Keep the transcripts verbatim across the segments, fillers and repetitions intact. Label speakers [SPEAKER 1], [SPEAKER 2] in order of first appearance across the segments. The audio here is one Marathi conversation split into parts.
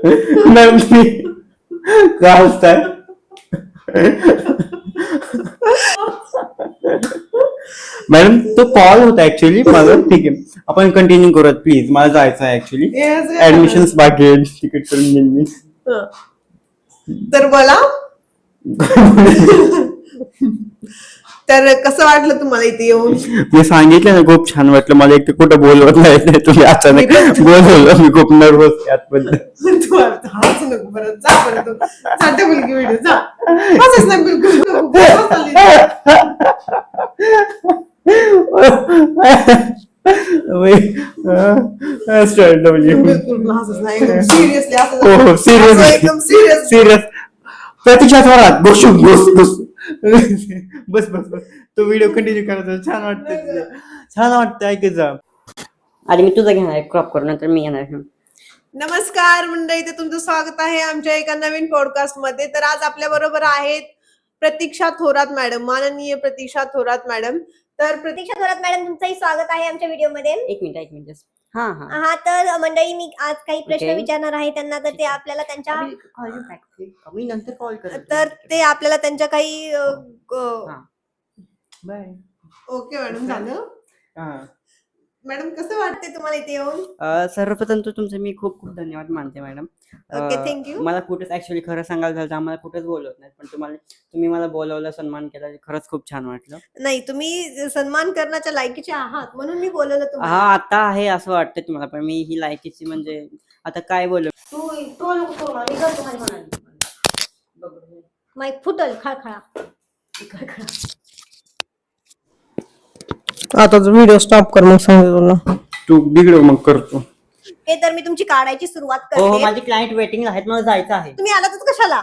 [SPEAKER 1] मॅडम तुम्ही का हसताय? मॅडम तो कॉल होता ऍक्च्युअली माझा. ठीक आहे, आपण कंटिन्यू करूयात प्लीज. मला जायचं आहे ऍक्च्युअली, ऍडमिशन बाकी आहे, तिकीट करून घेईन मी.
[SPEAKER 2] तर बोला. तर कसं वाटलं तुम्हाला इथे येऊन?
[SPEAKER 1] मी सांगितलं ना, खूप छान वाटलं मला. एक तर कुठं बोलवत नाही तुम्ही, अचानक बोलवलं. मी खूप नर्वस यातबद्दल.
[SPEAKER 2] तू हाच नको परत, जा परत तू. जा त्या मुलगी व्हिडिओ जा. हसच नाही बिलकुल नको. सिरियसली असं
[SPEAKER 1] सिरियस सिरियस प्रतीक्षा थोरात बसू बस बस बस बस बस. तो व्हिडिओ कंटिन्यू करायचा. छान वाटतं, छान वाटतं ऐकायचं.
[SPEAKER 3] आधी मी तुझं घेणार क्रॉप करून, नंतर मी घेणार.
[SPEAKER 2] नमस्कार मंडळी, ते तुमचं स्वागत आहे आमच्या एका नवीन पॉडकास्ट मध्ये. तर आज आपल्या बरोबर आहेत प्रतीक्षा थोरात मॅडम, माननीय प्रतीक्षा थोरात मॅडम. तर
[SPEAKER 4] प्रतीक्षा थोरात मॅडम, तुमचंही स्वागत आहे आमच्या व्हिडिओमध्ये.
[SPEAKER 3] एक मिनिट एक मिनिट हा हा
[SPEAKER 4] हा तर मंडळी, मी आज काही प्रश्न
[SPEAKER 3] Okay.
[SPEAKER 4] विचारणार आहे त्यांना. तर ते आपल्याला त्यांच्या
[SPEAKER 3] मी नंतर कॉल कर.
[SPEAKER 2] तर ते आपल्याला त्यांच्या काही
[SPEAKER 1] बाय.
[SPEAKER 2] ओके मॅडम, झालं. मॅडम कसं वाटते तुम्हाला इथे येऊन?
[SPEAKER 3] सर्वप्रथम तर तुमचे मी खूप खूप धन्यवाद मानते मॅडम.
[SPEAKER 2] Okay, thank you.
[SPEAKER 3] मला कुठेच ऍक्च्युअली खरं सांगायला झालं तर आम्हाला कुठेच बोलवत नाही, पण तुम्हाला तुम्ही मला बोलवलं, सन्मान केला, खरंच खूप छान वाटलं.
[SPEAKER 2] नाही, तुम्ही सन्मान करण्याच्या लायकीचे आहात म्हणून मी बोलवलं
[SPEAKER 3] हा
[SPEAKER 2] तुम्हाला.
[SPEAKER 3] आता आहे असं वाटतं तुम्हाला, पण मी ही लायकीची म्हणजे आता काय बोलू.
[SPEAKER 4] तू तो नको करू मला, मी करतो माझी म्हणाली. माईक फुटल खळखळा खळखळा.
[SPEAKER 2] आता व्हिडिओ स्टॉप कर, मग सांगतो तुला.
[SPEAKER 1] तू बिघडव मग करतो.
[SPEAKER 2] हे तर मी तुमची काढायची सुरुवात
[SPEAKER 3] हो हो,
[SPEAKER 2] करते.
[SPEAKER 3] माझी क्लायंट वेटिंग आहेत, मला जायचं आहे.
[SPEAKER 2] तुम्ही आलातच कशाला?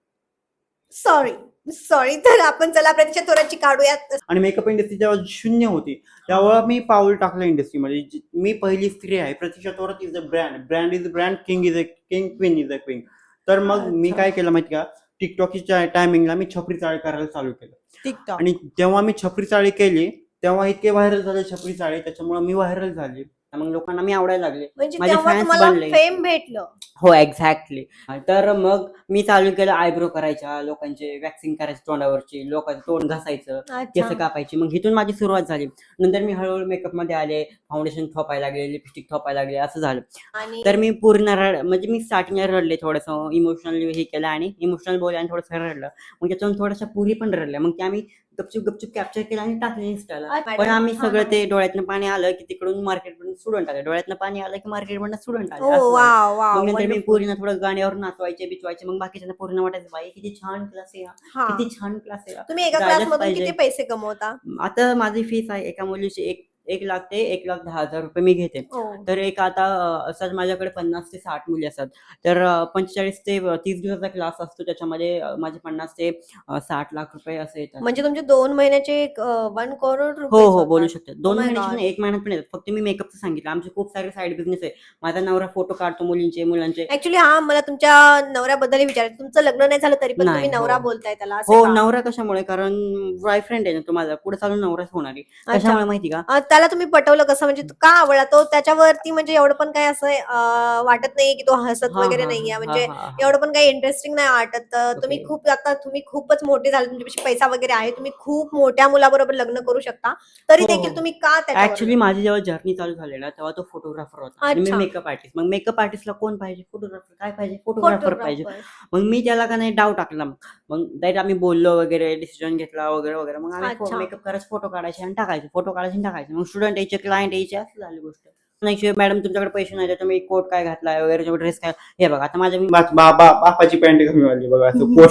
[SPEAKER 2] Sorry sorry. तर आपण चला प्रतीक्षा थोरातची काढूयात.
[SPEAKER 1] आणि मेकअप इंडस्ट्री जेव्हा शून्य होती तेव्हा मी पाऊल टाकलं इंडस्ट्रीमध्ये. जी- मी पहिली स्त्री आहे. Pratiksha Thorat is a brand, brand is a brand, king is a king, queen is a queen. तर मग मी काय केलं माहिती का, टिकटॉकच्या टायमिंगला मी छपरी चाळी करायला चालू केलं.
[SPEAKER 2] टिकटॉक.
[SPEAKER 1] आणि जेव्हा मी छपरी चाळी केली तेव्हा इतके व्हायरल झाले छपरी चाळी, त्याच्यामुळे मी व्हायरल झाली.
[SPEAKER 3] मग लोकांना मी आवडायला लागले,
[SPEAKER 2] म्हणजे
[SPEAKER 3] माझे
[SPEAKER 2] तेव्हा
[SPEAKER 3] फॅन्स
[SPEAKER 2] तुम्हाला
[SPEAKER 3] बनले.
[SPEAKER 2] फेम भेटलं.
[SPEAKER 3] हो एक्झॅक्टली. तर मग मी चालू केलं आयब्रो करायच्या, लोकांचे वॅक्सिंग करायचे तोंडावरची, लोकांचं तोंड घासायचं, केस
[SPEAKER 2] अच्छा.
[SPEAKER 3] कापायची. मग इथून माझी सुरुवात झाली. नंतर मी हळूहळू मेकअप मध्ये आले, फाउंडेशन थोपायला लागले, लिपस्टिक थोपायला लागले, असं झालं.
[SPEAKER 2] आणि
[SPEAKER 3] तर मी पूर्ण रड म्हणजे मी स्टार्टिंगला रडले, थोडंसं इमोशनली हे केलं आणि इमोशनल बोलले आणि थोडंसं रडलं. मग त्याच्यातून थोड्याशा पुरी पण रडल्या. मग ते आम्ही गपचूप गपचूप कॅप्चर केलं आणि टाकले इन्स्टाला.
[SPEAKER 2] अच्छा.
[SPEAKER 3] पण आम्ही
[SPEAKER 2] हा,
[SPEAKER 3] सगळं
[SPEAKER 2] हा.
[SPEAKER 3] ते डोळ्यातनं पाणी आलं की तिकडून मार्केटमधून स्टुडंट आले, डोळ्यातनं पाणी आलं की मार्केटमधून स्टुडंट आले,
[SPEAKER 2] ओ
[SPEAKER 3] असं झालं.
[SPEAKER 2] वाव वाव,
[SPEAKER 3] मग नंतर मी
[SPEAKER 2] wonderful.
[SPEAKER 3] पूर्ण थोडं गाण्यावर नाचवायचे बिचवायचे. मग बाकीच्यांना पूर्ण वाटायचं बाई किती छान क्लास आहे हा,
[SPEAKER 2] हा.
[SPEAKER 3] किती छान क्लास आहे हा.
[SPEAKER 2] तुम्ही एका
[SPEAKER 3] जायलाच
[SPEAKER 2] क्लास मधून
[SPEAKER 3] पाहिजे.
[SPEAKER 2] किती पैसे कमवता?
[SPEAKER 3] आता माझी फीस आहे एका मुलीची एक एक लाख ते एक लाख दहा हजार रुपये मी घेते.
[SPEAKER 2] ओ.
[SPEAKER 3] तर एक आता अं, असं माझ्याकडे पन्नास ते साठ मुली असतात. तर अं, पंचेचाळीस ते तीस दिवसाचा क्लास असतो, त्याच्यामध्ये अं, माझे पन्नास ते अं, साठ लाख रुपये असे येतात.
[SPEAKER 2] म्हणजे तुमचे दोन महिन्याचे वन करोड
[SPEAKER 3] हो
[SPEAKER 2] रुपये
[SPEAKER 3] हो बोलू
[SPEAKER 2] होतात.
[SPEAKER 3] शकते. दोन
[SPEAKER 2] Oh my
[SPEAKER 3] महिन्याची
[SPEAKER 2] God.
[SPEAKER 3] नाही, एक महिन्यात पण येतात. फक्त मी मेकअपचं सांगितलं. आमचे खूप सारे साईड बिझनेस आहे. माझा नवरा फोटो काढतो मुलींचे मुलांचे.
[SPEAKER 2] ऍक्च्युली हा, मला तुमच्या नवऱ्याबद्दल विचारायचं. तुमचं लग्न नाही झालं तरी पण
[SPEAKER 3] नाही,
[SPEAKER 2] तुम्ही नवरा
[SPEAKER 3] हो.
[SPEAKER 2] बोलताय त्याला, असे
[SPEAKER 3] हो
[SPEAKER 2] का?
[SPEAKER 3] नवरा कशामुळे, कारण बॉयफ्रेंड आहे ना तो माझा, पुढे चालून नवराच होणार आहे.
[SPEAKER 2] अच्छा.
[SPEAKER 3] कशामुळे माहिती का,
[SPEAKER 2] अं, त्याला तुम्ही पटवलं कसं, म्हणजे का आवडला तो? त्याच्यावरती म्हणजे एवढं पण काही असं अं, वाटत नाहीये की तो हसत
[SPEAKER 3] हा
[SPEAKER 2] वगैरे
[SPEAKER 3] हा
[SPEAKER 2] नाहीये,
[SPEAKER 3] हा
[SPEAKER 2] म्हणजे
[SPEAKER 3] हा हा
[SPEAKER 2] एवढं पण काही इंटरेस्टिंग नाही वाटत. तर तुम्ही
[SPEAKER 3] ओके.
[SPEAKER 2] खूप आता तुम्ही खूपच मोठे झाले, तुमच्यापाशी पैसा वगैरे आहे, तुम्ही खूप मोठ्या मुलाबरोबर लग्न करू शकता, तरी
[SPEAKER 3] हो,
[SPEAKER 2] देखील
[SPEAKER 3] हो.
[SPEAKER 2] तुम्ही का त्याच्यावर?
[SPEAKER 3] ऍक्च्युली माझी जेव्हा जर्नी चालू झाली ना तेव्हा तो फोटोग्राफर होता आणि मी
[SPEAKER 2] अच्छा.
[SPEAKER 3] Makeup artist. मग मेकअप आर्टिस्टला कोण पाहिजे, फोटोग्राफर. काय पाहिजे, फोटोग्राफर पाहिजे.
[SPEAKER 2] फोटोग्राफर.
[SPEAKER 3] मग मी त्याला का नाही डाव टाकला. मग डायरेक्ट आम्ही बोललो वगैरे, डिसिजन घेतला वगैरे वगैरे. मग आम्ही
[SPEAKER 2] अच्छा.
[SPEAKER 3] मेकअप करायचे, फोटो काढायचे आणि टाकायचे, फोटो काढायचे आणि टाकायचे. मग स्टुडंट यायचे, क्लायंट यायचे, असं झाली गोष्ट. नाही मॅडम तुमच्याकडे पैसे नाही तर तुम्ही कोट काय घातलाय वगैरे, ड्रेस काय, हे बघा आता माझ्या मी
[SPEAKER 1] बा- बा- बा- बापाची पॅन्ट कमी वाली बघा असं कोट.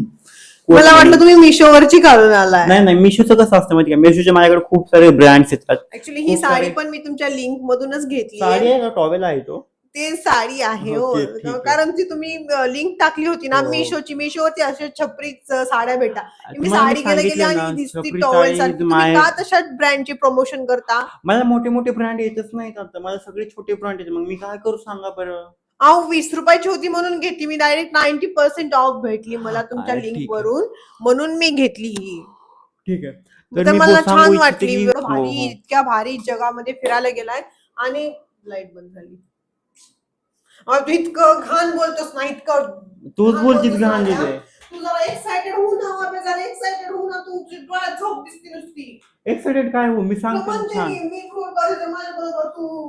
[SPEAKER 2] मला वाटलं तुम्ही मिशोवरची काढून आलाय.
[SPEAKER 1] नाही नाही, मिशोचं कसं असतं माहिती का, मिशोच्या माझ्याकडे खूप सारे ब्रँड्स येतात.
[SPEAKER 2] ऍक्च्युली ही
[SPEAKER 1] खूप
[SPEAKER 2] साडी
[SPEAKER 1] सारे-
[SPEAKER 2] पण मी तुमच्या लिंक मधूनच घेतली
[SPEAKER 1] साडी
[SPEAKER 2] आहे.
[SPEAKER 1] आहे का टॉवेल आहे तो?
[SPEAKER 2] ते साडी आहे हो.
[SPEAKER 1] ओके, ठीक आहे.
[SPEAKER 2] कारण ती तुम्ही लिंक टाकली होती ना
[SPEAKER 1] हो.
[SPEAKER 2] मिशोची, मिशोवरती असे छपरीच साड्या भेटा. मी
[SPEAKER 1] तुम्हाला मी
[SPEAKER 2] साडी गेले गेली
[SPEAKER 1] सांगितलं
[SPEAKER 2] आणि
[SPEAKER 1] ना,
[SPEAKER 2] दिसती
[SPEAKER 1] छपरी
[SPEAKER 2] टॉवेल
[SPEAKER 1] साडी
[SPEAKER 2] सारखी. तुम्ही
[SPEAKER 1] माय-
[SPEAKER 2] का तशा ब्रँडचे प्रमोशन करता?
[SPEAKER 1] मला मोठे मोठे ब्रँड येतच नाहीत आता, मला सगळे छोटे ब्रँड येते. मग मी काय करू सांगा बरं.
[SPEAKER 2] अहो वीस रुपयाची होती म्हणून घेतली मी. डायरेक्ट नाईन्टी पर्सेंट ऑफ भेटली मला तुमच्या
[SPEAKER 1] अरे,
[SPEAKER 2] लिंक
[SPEAKER 1] ठीक आहे.
[SPEAKER 2] वरून, म्हणून मी घेतली ही.
[SPEAKER 1] ठीक आहे.
[SPEAKER 2] तर
[SPEAKER 1] मी
[SPEAKER 2] मला
[SPEAKER 1] बो- सांगू
[SPEAKER 2] छान
[SPEAKER 1] इच्छिते
[SPEAKER 2] वाटली.
[SPEAKER 1] की-
[SPEAKER 2] एवढं
[SPEAKER 1] हो,
[SPEAKER 2] भारी,
[SPEAKER 1] हो.
[SPEAKER 2] इतक्या भारी जगामध्ये फिरायला गेलाय. आणि लाईट बंद झाली. अहो, तू इतकं घाण बोलतोस ना, इतकं
[SPEAKER 1] तूच
[SPEAKER 2] घाण
[SPEAKER 1] बोलतीस
[SPEAKER 2] बोलतोस
[SPEAKER 1] घाण
[SPEAKER 2] ना,
[SPEAKER 1] तिथे.
[SPEAKER 2] तू जरा एक्साइटेड होऊ ना, बाबा, जरा एक्साइटेड होऊ ना, तू तुझी डोळ्यात झोप दिसते नुसती.
[SPEAKER 1] एक्साइटेड काय हो, मी
[SPEAKER 2] तुला
[SPEAKER 1] सांगतो
[SPEAKER 2] म्हणते
[SPEAKER 1] छान.
[SPEAKER 2] मी मी फोन करायचं माझ्या बरोबर तू